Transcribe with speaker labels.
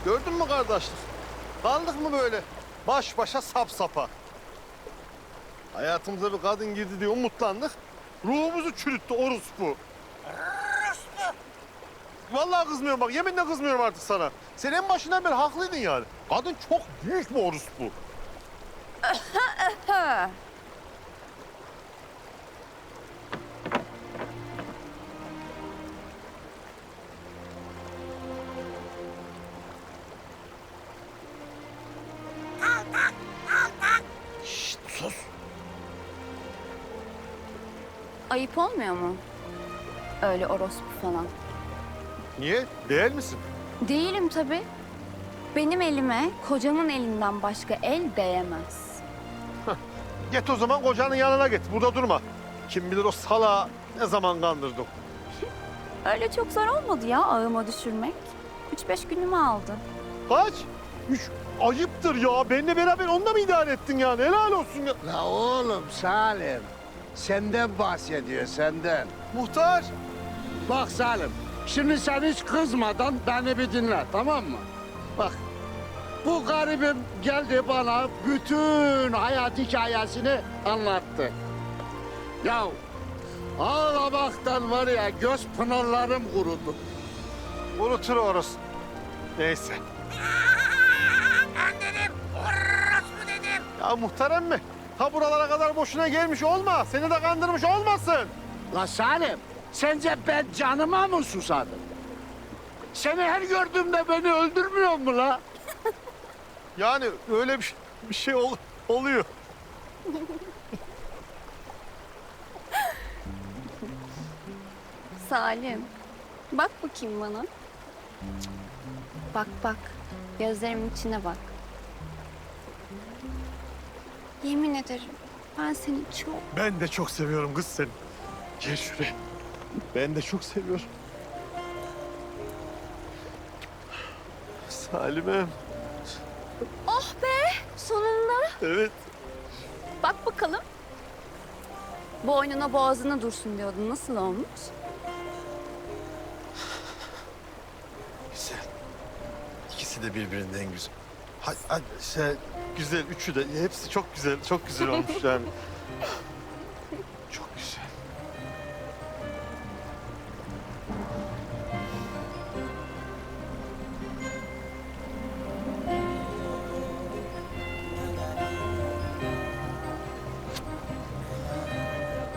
Speaker 1: Gördün mü kardeşlik? Kaldık mı böyle baş başa sap sapa? Hayatımıza bir kadın girdi diye umutlandık. Ruhumuzu çürüttü orospu. Orospu! Vallahi kızmıyorum bak, yeminle kızmıyorum artık sana. Sen en başından beri haklıydın yani. Kadın çok büyük bir orospu. Şşt, sus.
Speaker 2: Ayıp olmuyor mu? Öyle orospu falan.
Speaker 1: Niye? Değil misin?
Speaker 2: Değilim tabii. Benim elime kocamın elinden başka el değemez.
Speaker 1: Git o zaman kocanın yanına git. Burada durma. Kim bilir o salağı ne zaman kandırdık.
Speaker 2: Öyle çok zor olmadı ya ağıma düşürmek. 3-5 günümü aldı.
Speaker 1: Kaç? Ayıptır ya. Benimle beraber onunla mı idare ettin yani? Helal olsun ya.
Speaker 3: La oğlum Salim, senden bahsediyor, senden.
Speaker 1: Muhtar.
Speaker 3: Bak Salim, şimdi sen hiç kızmadan beni bir dinle, tamam mı? Bak, bu garibim geldi bana bütün hayat hikayesini anlattı. Ya ağlamaktan var ya göz pınarlarım kurudu.
Speaker 1: Unutur orası. Neyse.
Speaker 4: Ben dedim, orospu dedim.
Speaker 1: Ya muhtar emmi. Ha buralara kadar boşuna gelmiş olma. Seni de kandırmış olmasın.
Speaker 3: La Salim, sence ben canıma mı susadım? Seni her gördüğümde beni öldürmüyor mu la?
Speaker 1: Yani öyle bir şey oluyor.
Speaker 2: Salim, bak bakayım bana. Bak bak, gözlerimin içine bak. Yemin ederim ben seni çok...
Speaker 1: Ben de çok seviyorum kız seni. Gel şuraya. Ben de çok seviyorum. Salim'im.
Speaker 2: Oh be, sonunda.
Speaker 1: Evet.
Speaker 2: Bak bakalım. Boynuna boğazına dursun diyordun. Nasıl olmuş?
Speaker 1: Güzel. İkisi de birbirinden güzel. Güzel. Üçü de. Hepsi çok güzel. Çok güzel olmuş yani.